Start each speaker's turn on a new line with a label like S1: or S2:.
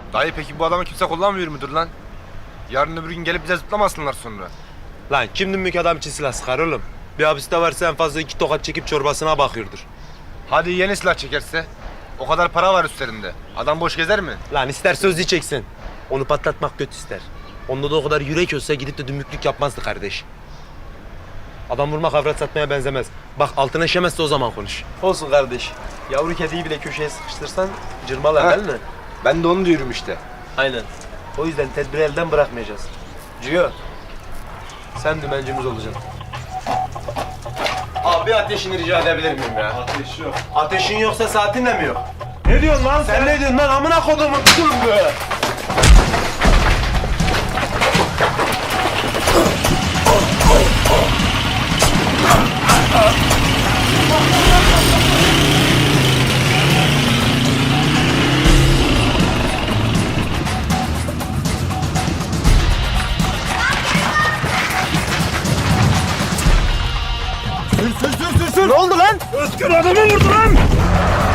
S1: Dayı peki bu adamı kimse kullanmıyor mudur lan? Yarın öbür gün gelip bize zıplamasınlar sonra.
S2: Lan kim dümbük adam için silah sıkar oğlum? Bir hapiste varsa en fazla 2 tokat çekip çorbasına bakıyordur.
S1: Hadi yeni silah çekerse? O kadar para var üstlerinde. Adam boş gezer mi?
S2: Lan ister sözlü çeksin. Onu patlatmak kötü ister. Onda da o kadar yürek olsa gidip de dümbüklük yapmazdı kardeş. Adam vurmak avrat satmaya benzemez. Bak altına işemezse o zaman konuş. Olsun kardeş. Yavru kediyi bile köşeye sıkıştırsan cırmalar değil mi?
S1: Ben de onu diyorum işte.
S2: Aynen. O yüzden tedbiri elden bırakmayacağız. Ciyo, sen dümencimiz olacaksın. Abi ateşini rica edebilir miyim ya?
S3: Ateş yok.
S2: Ateşin yoksa saatin de mi yok?
S3: Ne diyorsun lan
S2: Sen ne diyorsun lan amına kodumun be?
S3: Sür.
S2: Ne oldu lan?
S3: Özgür adamı vurdu lan.